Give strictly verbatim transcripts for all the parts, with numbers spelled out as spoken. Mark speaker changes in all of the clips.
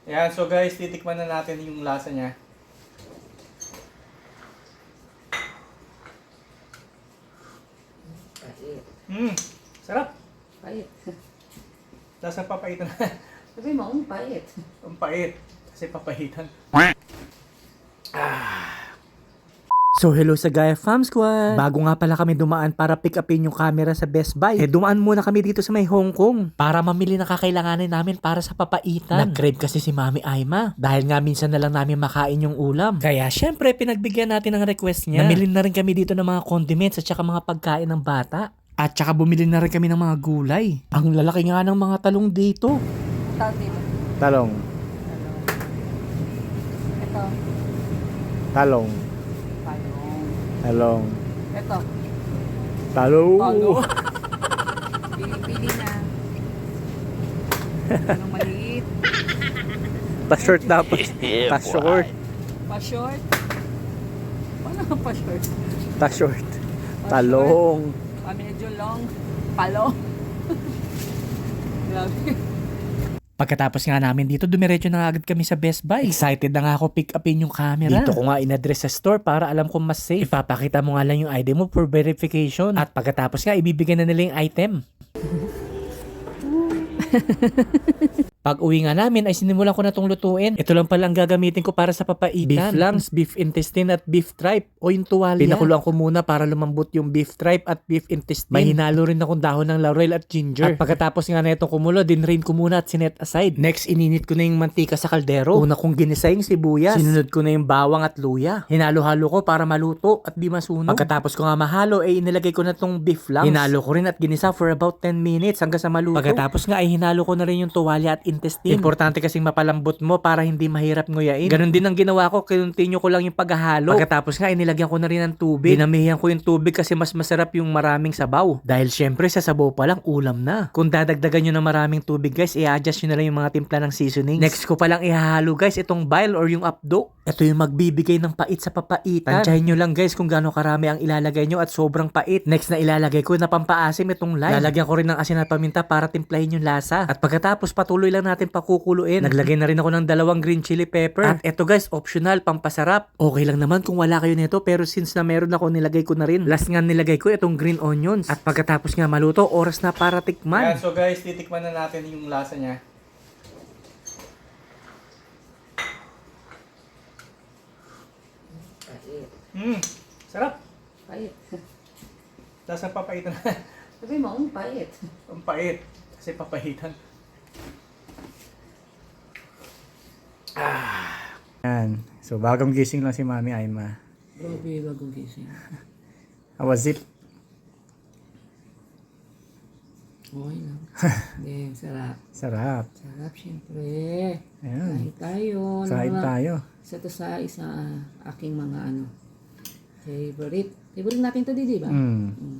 Speaker 1: Ayan, so guys, titikman na natin yung lasa niya.
Speaker 2: Pait.
Speaker 1: Hmm, sarap.
Speaker 2: Pait.
Speaker 1: Lasa papaitan.
Speaker 2: Sabi mo, ang pait.
Speaker 1: Ang pait. Kasi papahitan. So hello sa Gaia Fam Squad! Bago nga pala kami dumaan para pick upin yung camera sa Best Buy, eh dumaan muna kami dito sa may Hong Kong para mamili ng kakailanganin namin para sa papaitan. Nag-crave kasi si Mami Aima dahil nga minsan na lang namin makain yung ulam. Kaya syempre pinagbigyan natin ng request niya. Namili na rin kami dito ng mga condiments at saka mga pagkain ng bata. At saka bumili na rin kami ng mga gulay. Ang lalaki nga ng mga talong dito.
Speaker 2: Tawag dito.
Speaker 1: Talong.
Speaker 2: Ito.
Speaker 1: Talong.
Speaker 2: Talong.
Speaker 1: Talong.
Speaker 2: Ito.
Speaker 1: Talong.
Speaker 2: Talong. Pili-pili na. Anong maliit?
Speaker 1: Pa-short dapat. Pa-short.
Speaker 2: Pa-short? Paano ang pa-short?
Speaker 1: Pa-short. Talong.
Speaker 2: Pa medyo long. Palong. Grabe.
Speaker 1: Pagkatapos nga namin dito, dumiretso na agad kami sa Best Buy. Excited na nga ako pick upin yung camera. Dito ko nga in-address sa store para alam kong mas safe. Ipapakita mo nga lang yung I D mo for verification. At pagkatapos nga, ibibigay na nila yung item. Pag uwi nga namin ay sinimulan ko na tong lutuin. Ito lang pala ang gagamitin ko para sa papaitan. Beef lungs, beef intestine at beef tripe o yung tuwalya. Pinakuluan ko muna para lumambot yung beef tripe at beef intestine. May hinalo rin akong dahon ng laurel at ginger. At pagkatapos nga na itong kumulo, dinrain ko muna at sinet aside. Next, ininit ko na yung mantika sa kaldero. Una kong ginisa yung sibuyas. Sinunod ko na yung bawang at luya. Hinalo-halo ko para maluto at di masunog. Pagkatapos ko nga mahalo, ay inilagay ko na tong beef lungs. Hinalo ko rin at ginisa for about ten minutes hanggang sa maluto. Pagkatapos nga ay hinalo ko na rin yung tuwalya at intestine. Importante kasing mapalambot mo para hindi mahirap nguyain. Ganon din ang ginawa ko, kinontinue ko lang yung paghahalo. Pagkatapos nga, inilagyan ko na rin ng tubig. Dinamihan ko yung tubig kasi mas masarap yung maraming sabaw. Dahil syempre sa sabaw pa lang, ulam na. Kung dadagdagan nyo ng maraming tubig guys, i-adjust nyo na lang yung mga timpla ng seasonings. Next ko palang ihahalo guys, itong bile or yung apdo. Ito yung magbibigay ng pait sa papaitan. Tansyahin nyo lang guys kung gaano karami ang ilalagay nyo at sobrang pait. Next na ilalagay ko na pampaasim itong lime. Lalagyan ko rin ng asin at paminta para timplahin yung lasa. At pagkatapos patuloy lang natin pakukuluin. Naglagay na rin ako ng dalawang green chili pepper. At eto guys, optional, pampasarap. Okay lang naman kung wala kayo nito pero since na meron ako, nilagay ko na rin. Last nga nilagay ko itong green onions. At pagkatapos nga maluto, oras na para tikman. Yeah, so guys, titikman na natin yung lasa niya.
Speaker 2: Pait.
Speaker 1: Hmm, sarap.
Speaker 2: Pait.
Speaker 1: Lasa papaitan.
Speaker 2: Sabi mo, ang pait.
Speaker 1: Ang pait. Kasi papahitan. Ah. Yan. So, bagong gising lang si Mami Aima.
Speaker 2: Grabe, bagong gising.
Speaker 1: How was it?
Speaker 2: Okay lang. Hindi, sarap.
Speaker 1: Sarap.
Speaker 2: Sarap, syempre.
Speaker 1: Ayan.
Speaker 2: Kain tayo.
Speaker 1: Kain
Speaker 2: Ano,
Speaker 1: tayo.
Speaker 2: Isa to sa isa ah, aking mga ano, favorite. Favorite natin to, di ba?
Speaker 1: Mm.
Speaker 2: Mm.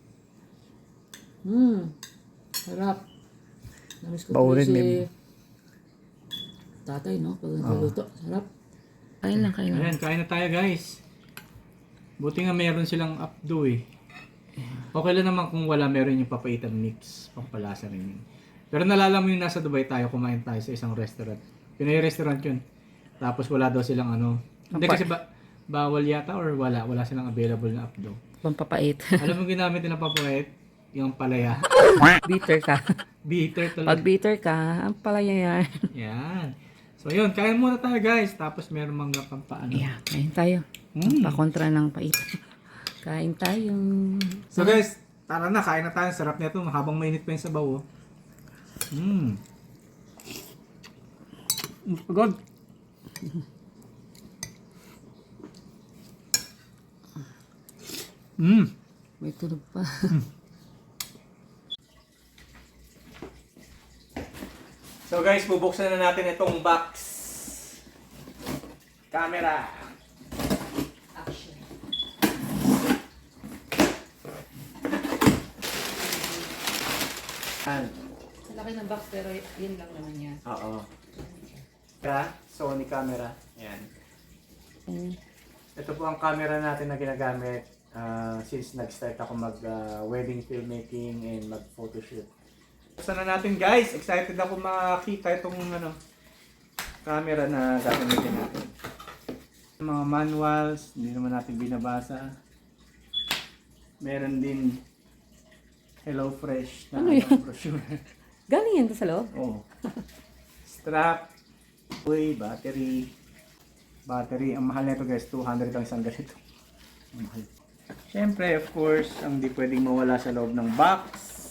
Speaker 2: Mm. Sarap. Namiss ko
Speaker 1: Baunin,
Speaker 2: tuloy si
Speaker 1: babe.
Speaker 2: tatay, no? Pag nagluto. Sarap. Kain lang, kain lang.
Speaker 1: Ayan, kain na tayo guys. Buti nga meron silang updo eh. Okay lang naman kung wala, meron yung papaitan mix. Pampalasa rin yun. Pero nalala mo yung nasa Dubai tayo, kumain tayo sa isang restaurant. Pinoy restaurant yun. Tapos wala daw silang ano. Hindi kasi ba, bawal yata or wala. Wala silang available na updo.
Speaker 2: Pampapait.
Speaker 1: Alam mo ginamit nila papait? Yung palaya.
Speaker 2: Bitter ka.
Speaker 1: Bitter
Speaker 2: Pag
Speaker 1: talaga.
Speaker 2: bitter ka, ang palaya yan.
Speaker 1: Yan. So yun, kain muna tayo guys. Tapos meron mangga pang paano.
Speaker 2: Yeah, kain tayo.
Speaker 1: Mm.
Speaker 2: Pakontra ng pait. Kain tayo.
Speaker 1: So guys, tara na, kain na tayo. Sarap nito habang mainit pa yung sabaw. Oh. Mm. Pagod. Mm.
Speaker 2: May tulog pa.
Speaker 1: So guys, bubuksan na natin itong box. Camera.
Speaker 2: Action.
Speaker 1: Yan.
Speaker 2: Sa laki ng box pero yun lang naman yan.
Speaker 1: Oo. Kaya, Sony camera. Yan.
Speaker 2: Ayan.
Speaker 1: Ito po ang camera natin na ginagamit uh, since nag-start ako mag uh, wedding filmmaking and mag photoshoot. Buksan na natin guys. Excited ako makita itong ano, camera na gagamitin natin. Mga manuals, hindi naman natin binabasa. Meron din Hello Fresh na
Speaker 2: Ano yan?
Speaker 1: brochure.
Speaker 2: Galing yan to sa loob?
Speaker 1: Oh. Strap, uy, battery. Battery, ang mahal nito guys, two hundred ang isang ganito. Ang mahal. Siyempre, of course, ang di pwedeng mawala sa loob ng box,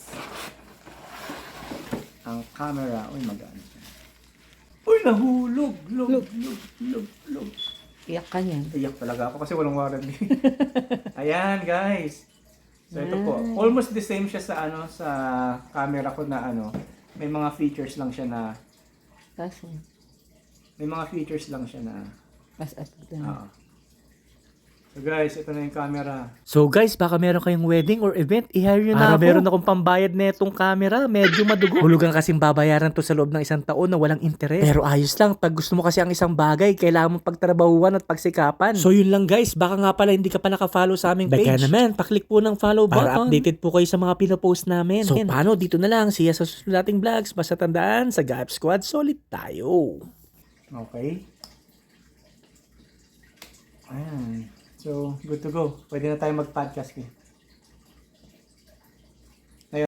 Speaker 1: ang camera. Uy, magaan siya. Uy, nahulog! Log, log, log, log, log.
Speaker 2: Iyak ka niyan.
Speaker 1: Iyak talaga ako kasi walang warranty. Ayan, guys. So, ito po. Almost the same siya sa ano sa camera ko na ano. May mga features lang siya na
Speaker 2: Kaso,
Speaker 1: may mga features lang siya na
Speaker 2: as as
Speaker 1: Oo. So guys, ito na yung camera.
Speaker 3: So guys, baka meron kayong wedding or event, i-hire nyo na
Speaker 1: Para
Speaker 3: ako.
Speaker 1: meron
Speaker 3: akong pambayad na itong camera, medyo madugo. Hulugan kasing babayaran to sa loob ng isang taon na walang interes. Pero ayos lang, pag gusto mo kasi ang isang bagay, kailangan mong pagtrabahuan at pagsikapan. So yun lang guys, baka nga pala hindi ka pa naka-follow sa aming page. Baka naman, paklik po ng follow button. Para updated po kayo sa mga pinopost namin. So paano, dito na lang, siya sa susunod nating vlogs. Basta tandaan, sa Gap Squad, solid tayo.
Speaker 1: Okay. Ayan. So, good to go. Pwede na tayo mag-podcast eh.